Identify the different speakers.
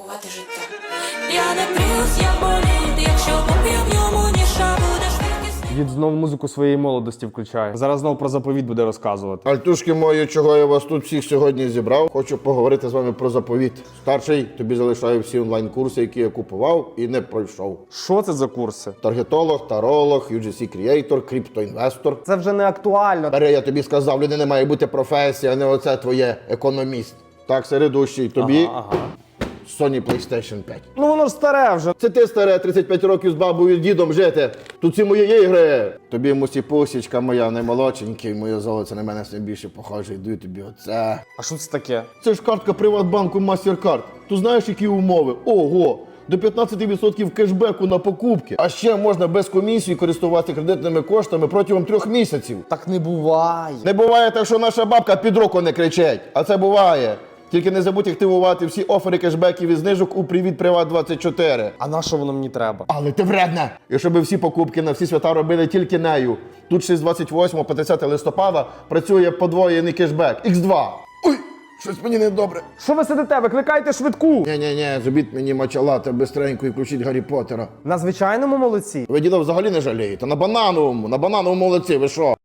Speaker 1: Рахувати життя. Я не плюс, я боліт, якщо поп'ю в ньому ніша, будеш швидкісний.
Speaker 2: Дід знов музику своєї молодості включає. Зараз знов про заповіт буде розказувати.
Speaker 3: Альтушки мої, чого я вас тут всіх сьогодні зібрав, хочу поговорити з вами про заповіт. Старший, тобі залишаю всі онлайн-курси, які я купував і не пройшов.
Speaker 2: Що це за курси?
Speaker 3: Таргетолог, таролог, UGC Creator, криптоінвестор.
Speaker 2: Це вже не актуально.
Speaker 3: Дар'я, я тобі сказав, людини має бути професія, а не оце твоє економіст. Так, середущий, тобі
Speaker 2: Ага.
Speaker 3: Sony PlayStation 5.
Speaker 2: Ну воно ж старе вже.
Speaker 3: Це ти, старе, 35 років з бабою і дідом жити. Тут ці мої ігри. Тобі мусі-пусічка моя наймолодшенький, моє золоце на мене все більше похоже. Йду тобі оце.
Speaker 2: А що це таке?
Speaker 3: Це ж картка Приватбанку MasterCard. Ти знаєш, які умови? Ого! До 15% кешбеку на покупки. А ще можна без комісії користуватися кредитними коштами протягом 3 місяців.
Speaker 2: Так не буває.
Speaker 3: Не буває так, що наша бабка під руку не кричить. А це буває. Тільки не забудь активувати всі офери кешбеків і знижок у Привіт Приват24.
Speaker 2: А на що воно мені треба?
Speaker 3: Але ти вредна! І щоб всі покупки на всі свята робили тільки нею. Тут ще з 28 по 30 листопада працює подвоєний кешбек. Х2. Ой, щось мені недобре.
Speaker 2: Що ви сидите? Викликайте швидку!
Speaker 3: Ні, зробіть мені мачалати бистренько і включіть Гаррі Поттера.
Speaker 2: На звичайному молодці.
Speaker 3: Ви діда взагалі не жалієте. На банановому молодці, ви що?